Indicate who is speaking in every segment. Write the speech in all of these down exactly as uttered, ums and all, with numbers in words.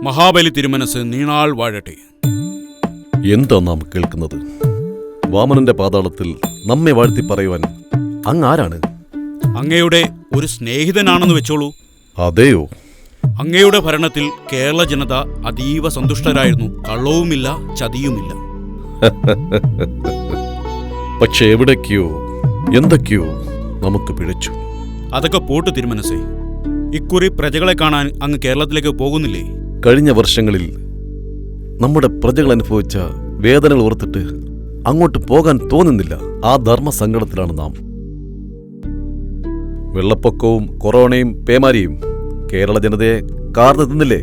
Speaker 1: മഹാബലി തിരുമനസ് നീണാൾ വാഴട്ടെ.
Speaker 2: എന്താ നാം കേൾക്കുന്നത്? വാമനന്റെ പാതാളത്തിൽ നമ്മെ വാഴ്ത്തി പറയുവാൻ അങ്ങ് ആരാണ്?
Speaker 1: അങ്ങയുടെ ഒരു സ്നേഹിതനാണെന്ന് വെച്ചോളൂ.
Speaker 2: അതെയോ?
Speaker 1: അങ്ങയുടെ ഭരണത്തിൽ കേരള ജനത അതീവ സന്തുഷ്ടരായിരുന്നു. കള്ളവുമില്ല, ചതിയുമില്ല.
Speaker 2: പക്ഷെ എവിടേക്കോ എന്തൊക്കെയോ നമുക്ക് പിഴച്ചു.
Speaker 1: അതൊക്കെ പോട്ട് തിരുമനസേ. ഇക്കുറി പ്രജകളെ കാണാൻ അങ്ങ് കേരളത്തിലേക്ക് പോകുന്നില്ലേ?
Speaker 2: കഴിഞ്ഞ വർഷങ്ങളിൽ നമ്മുടെ പ്രജകൾ അനുഭവിച്ച വേദനകൾ ഓർത്തിട്ട് അങ്ങോട്ട് പോകാൻ തോന്നുന്നില്ല. ആ ധർമ്മസങ്കടത്തിലാണ് നാം. വെള്ളപ്പൊക്കവും കൊറോണയും പേമാരിയും കേരള ജനതയെ കാർന്നു തിന്നില്ലേ?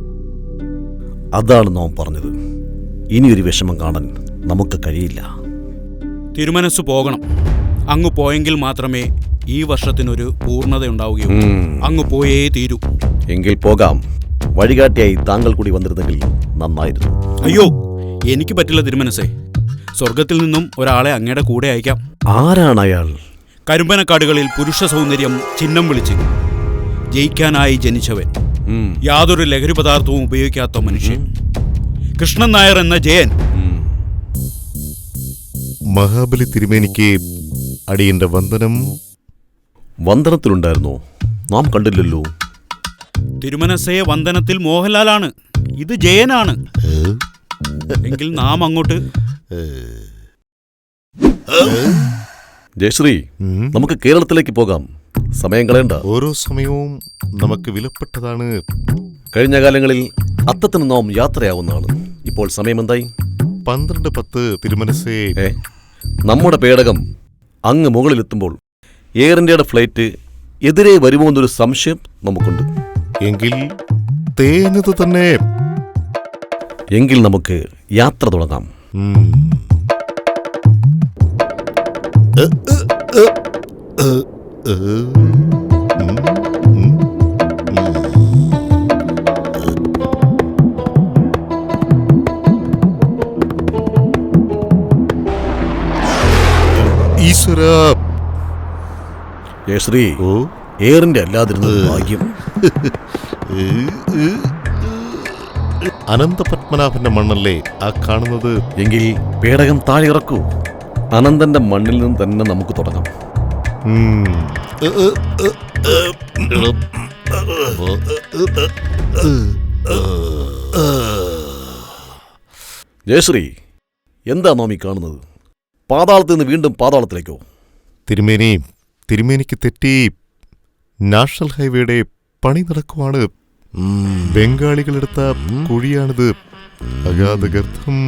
Speaker 2: അതാണ് നാം പറഞ്ഞത്. ഇനിയൊരു വിഷമം കാണാൻ നമുക്ക് കഴിയില്ല.
Speaker 1: തിരുമനസ് പോകണം. അങ്ങ് പോയെങ്കിൽ മാത്രമേ ഈ വർഷത്തിനൊരു പൂർണ്ണതയുണ്ടാവുകയുള്ളൂ. അങ്ങ് പോയേ തീരൂ.
Speaker 2: എങ്കിൽ പോകാം. വഴികാട്ടിയായി താങ്കൾ കൂടി വന്നിരുന്നെങ്കിൽ നന്നായിരുന്നു.
Speaker 1: അയ്യോ, എനിക്ക് പറ്റില്ല തിരുമനസേ. സ്വർഗത്തിൽ നിന്നും ഒരാളെ അങ്ങയുടെ കൂടെ അയക്കാം.
Speaker 2: ആരാണ് അയാൾ?
Speaker 1: കരിമ്പനക്കാടുകളിൽ പുരുഷ സൗന്ദര്യം ചിഹ്നം വിളിച്ച് ജയിക്കാനായി ജനിച്ചവൻ, യാതൊരു ലഹരി പദാർത്ഥവും ഉപയോഗിക്കാത്ത മനുഷ്യൻ, കൃഷ്ണൻ നായർ എന്ന ജയൻ.
Speaker 3: മഹാബലി തിരുമേനിക്ക് അടിയന്റെ വന്ദനം.
Speaker 2: വന്ദനത്തിലുണ്ടായിരുന്നോ? നാം കണ്ടില്ലല്ലോ.
Speaker 1: തിരുമനസയെ വന്ദനത്തിൽ മോഹൻലാലാണ്, ഇത് ജയനാണ്. എങ്കിൽ നാം അങ്ങോട്ട്.
Speaker 2: ജയശ്രീ, നമുക്ക് കേരളത്തിലേക്ക് പോകാം. സമയം കളയണ്ട.
Speaker 3: ഓരോ സമയവും നമുക്ക് വിലപ്പെട്ടതാണ്.
Speaker 2: കഴിഞ്ഞ കാലങ്ങളിൽ അത്തത്തിന് നാം യാത്രയാവുന്നതാണ്. ഇപ്പോൾ സമയം എന്തായി?
Speaker 3: പന്ത്രണ്ട് പത്ത്. തിരുമനസേ,
Speaker 2: നമ്മുടെ പേടകം അങ്ങ് മുകളിലെത്തുമ്പോൾ എയർ ഇന്ത്യയുടെ ഫ്ലൈറ്റ് എതിരെ വരുമോ എന്നൊരു സംശയം നമുക്കുണ്ട്.
Speaker 3: എങ്കിൽ തേഞ്ഞത് തന്നെ.
Speaker 2: എങ്കിൽ നമുക്ക് യാത്ര തുടങ്ങാം.
Speaker 3: ഈശ്വര.
Speaker 2: ജയശ്രീ, എയർ ഇന്ത്യ അല്ലാതിരുന്നത് ഭാഗ്യം.
Speaker 3: അനന്തപത്മനാഭന്റെ മണ്ണല്ലേ ആ കാണുന്നത്?
Speaker 2: എങ്കിൽ പേടകം താഴെ ഇറക്കൂ. അനന്തന്റെ മണ്ണിൽ നിന്ന് തന്നെ നമുക്ക് തുടങ്ങാം. ജയശ്രീ, എന്താ നാം ഈ കാണുന്നത്? പാതാളത്തിൽ നിന്ന് വീണ്ടും പാതാളത്തിലേക്കോ?
Speaker 3: തിരുമേനി, തിരുമേനിക്ക് തെറ്റി. നാഷണൽ ഹൈവേയുടെ പണി നടക്കുവാണ്. ബംഗാളികളെടുത്ത കുഴിയാണിത്. അഗാധഗർത്തം.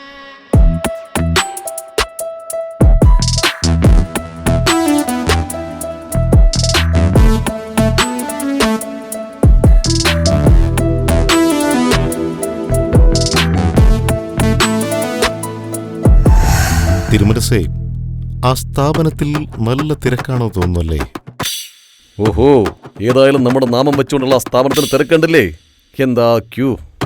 Speaker 3: തിരുമനസേ, ആ സ്ഥാപനത്തിൽ നല്ല തിരക്കാണോ തോന്നുന്നല്ലേ?
Speaker 2: ഓഹോ, ഏതായാലും നമ്മുടെ നാമം വെച്ചുകൊണ്ടുള്ള ആ സ്ഥാപനത്തിന് തിരക്കണ്ടില്ലേ? എന്താ ക്യൂ!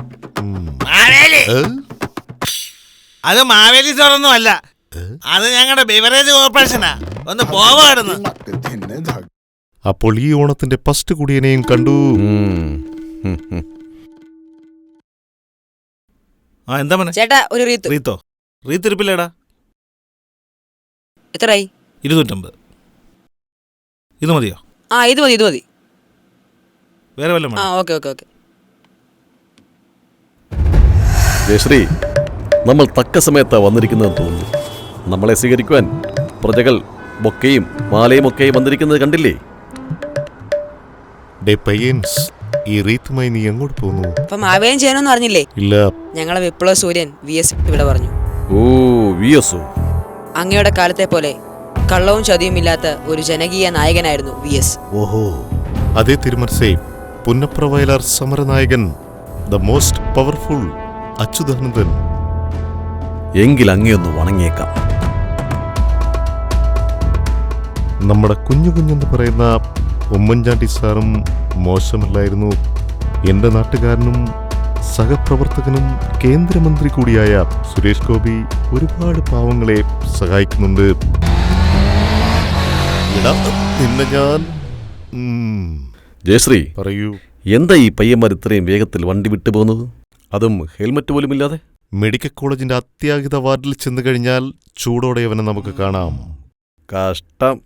Speaker 4: അത് മാവേലി സ്റ്റോറൊന്നും അല്ല, അത് ഞങ്ങളുടെ ബിവറേജ് കോർപ്പറേഷനാ. ഒന്ന് പോവായിരുന്നു.
Speaker 3: അപ്പോൾ ഈ ഓണത്തിന്റെ ഫസ്റ്റ് കുടിയനെയും കണ്ടു.
Speaker 4: ആ, എന്താ മോനെ?
Speaker 5: ചേട്ടാ, ഒരു റീത്ത്.
Speaker 4: റീത്തോ? റീത്ത് ഇരിപ്പില്ലേടാ?
Speaker 5: എത്രയായി?
Speaker 4: ഇരുന്നൂറ്റമ്പത്. ഇത് മതിയോ?
Speaker 5: ആ, ഇത് മതി, ഇത് മതി.
Speaker 4: വേറെ വല്ലതും?
Speaker 5: ആ, ഓക്കെ ഓക്കെ ഓക്കെ.
Speaker 2: ജയശ്രീ, നമ്മൾ തക്ക സമയത്താ വന്നിരിക്കുന്നതെന്ന് തോന്നുന്നു. നമ്മളെ സ്വീകരിക്കുവാൻ പ്രജകൾ ബൊക്കയും മാലയും ഒക്കെ വന്നിരിക്കുന്നത് കണ്ടില്ലേ?
Speaker 3: ഡേ പയ്യൻസ്, ഈ റീത്തുമായി നീ എങ്ങോട്ട് പോകുന്നു?
Speaker 5: അപ്പൊ മാവേലിയും ചെയ്യാനൊന്നും അറിഞ്ഞില്ലേ?
Speaker 3: ഇല്ല.
Speaker 5: ഞങ്ങളെ വിപ്ലവ സൂര്യൻ വി എസ് ഇവിടെ പറഞ്ഞു.
Speaker 2: ഓ, വി എസ്.
Speaker 5: അങ്ങയുടെ കാലത്തെ പോലെ കള്ളവും ചതിയും ഇല്ലാത്ത ഒരു ജനകീയ നായകനായിരുന്നു വി എസ്.
Speaker 3: ഓഹോ, അതേ തിരുമനസേ. പുന്നപ്ര വയലാർ സമരനായകൻ, ദ മോസ്റ്റ് പവർഫുൾ അച്യുതാനന്ദൻ.
Speaker 2: എങ്കിൽ അങ്ങയൊന്ന് വണങ്ങിയേക്കാം.
Speaker 3: നമ്മുടെ കുഞ്ഞു കുഞ്ഞെന്ന് പറയുന്ന ഉമ്മൻചാണ്ടി സാറും മോശമല്ലായിരുന്നു. എൻ്റെ നാട്ടുകാരനും സഹപ്രവർത്തകനും കേന്ദ്രമന്ത്രി കൂടിയായ സുരേഷ് ഗോപി ഒരുപാട് പാവങ്ങളെ സഹായിക്കുന്നുണ്ട്. നിന്നെ ഞാൻ
Speaker 2: ജയശ്രീ,
Speaker 3: പറയൂ.
Speaker 2: എന്താ ഈ പയ്യന്മാർ ഇത്രയും വേഗത്തിൽ വണ്ടി വിട്ടു പോകുന്നത്? അതും ഹെൽമറ്റ് പോലും ഇല്ലാതെ.
Speaker 3: മെഡിക്കൽ കോളേജിന്റെ അത്യാഹിത വാർഡിൽ ചെന്ന് കഴിഞ്ഞാൽ ചൂടോടെ അവനെ നമുക്ക് കാണാം.
Speaker 2: കഷ്ടം.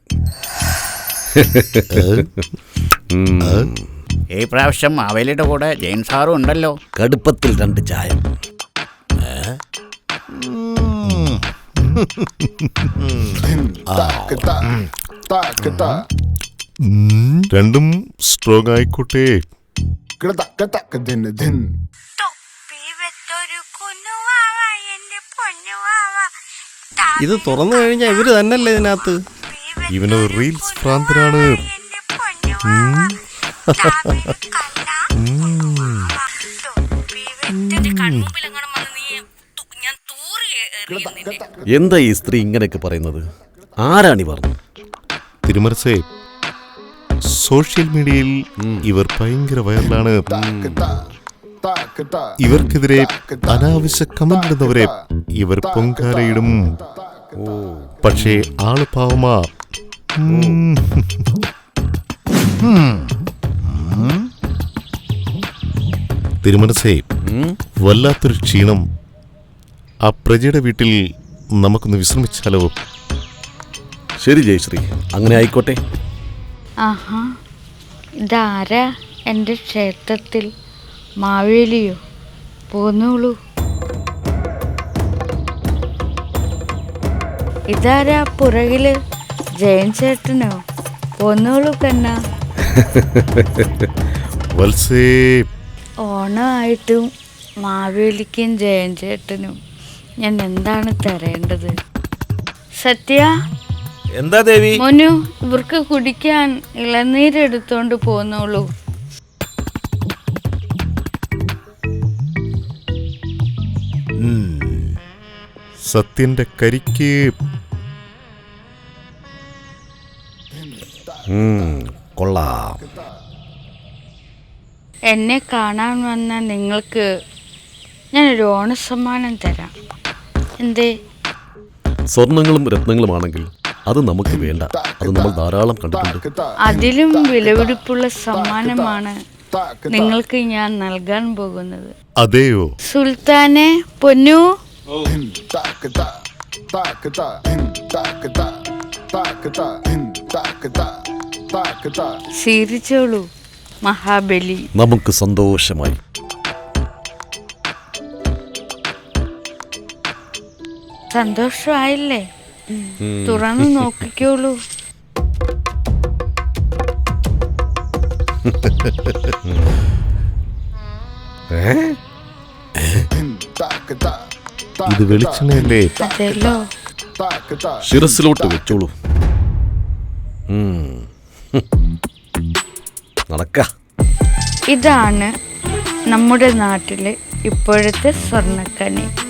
Speaker 6: ഈ പ്രാവശ്യം മാവേലിയുടെ കൂടെ ജെയിൻ സാറും ഉണ്ടല്ലോ.
Speaker 2: കടുപ്പത്തിൽ രണ്ട് ചായ.
Speaker 3: രണ്ടും സ്ട്രോങ് ആയിക്കോട്ടെ.
Speaker 7: ഇത് തുറന്നു കഴിഞ്ഞാൽ ഇവര് തന്നെയല്ലേ ഇതിനകത്ത്.
Speaker 3: ഇവനൊരു റീൽസ് ഭ്രാന്തനാണ്.
Speaker 2: എന്താ ഈ സ്ത്രീ ഇങ്ങനെയൊക്കെ പറയുന്നത്? ആരാണി പറഞ്ഞു?
Speaker 3: തിരുമനസേ, സോഷ്യൽ മീഡിയയിൽ ഇവർ ഭയങ്കര വൈറലാണ്. ഇവർക്കെതിരെ അനാവശ്യ കമന്റ് ഇടുന്നവരെ ഇവർ പൊങ്കാലയിടും. പക്ഷേ ആള് പാവമാ. തിരുമനസേ, വല്ലാത്തൊരു ക്ഷീണം. ആ പ്രജയുടെ വീട്ടിൽ നമുക്കൊന്ന് വിശ്രമിച്ചാലോ?
Speaker 2: ശരി ജയശ്രീ, അങ്ങനെ ആയിക്കോട്ടെ.
Speaker 8: ആഹാ, ഇതാരാ എൻ്റെ ക്ഷേത്രത്തിൽ? മാവേലിയോ? പോന്നോളൂ. ഇതാരാ പുറകില്? ജയൻ ചേട്ടനോ? പോന്നോളൂ കണ്ണ.
Speaker 3: വത്സേ,
Speaker 8: ഓണമായിട്ടും മാവേലിക്കും ജയൻ ചേട്ടനും ഞാൻ എന്താണ് തരേണ്ടത്? സത്യ,
Speaker 4: എന്താ ദേവി?
Speaker 8: മോനു, ഇവർക്ക് കുടിക്കാൻ ഇളനീരെടുത്തോണ്ട് പോന്നോളൂ.
Speaker 3: സത്യന്റെ കരിക്ക്.
Speaker 2: കൊള്ളാം.
Speaker 8: എന്നെ കാണാൻ വന്ന നിങ്ങൾക്ക് ഞാനൊരു ഓണസമ്മാനം തരാം. എന്തേ?
Speaker 2: സ്വർണങ്ങളും രത്നങ്ങളുമാണെങ്കിൽ അത് നമുക്ക് വേണ്ട. അത് നമ്മൾ ധാരാളം കണ്ടിട്ടുണ്ട്.
Speaker 8: അതിലും വിലപിടിപ്പുള്ള സമ്മാനമാണ് നിങ്ങൾക്ക് ഞാൻ നൽകാൻ പോകുന്നത്.
Speaker 3: അതെയോ?
Speaker 8: സുൽത്താനെ, പൊന്നു. സ്വീകരിച്ചോളൂ മഹാബലി.
Speaker 2: നമുക്ക് സന്തോഷമായി.
Speaker 8: സന്തോഷമായില്ലേ? തുറന്നു നോക്കിക്കോളൂ.
Speaker 3: ഇത് വെളിച്ചെണ്ണയല്ലേ?
Speaker 8: അതെല്ലോ.
Speaker 2: ശിരസിലോട്ട് വെച്ചോളൂ. നടക്ക.
Speaker 8: ഇതാണ് നമ്മുടെ നാട്ടിലെ ഇപ്പോഴത്തെ സ്വർണ്ണക്കനി.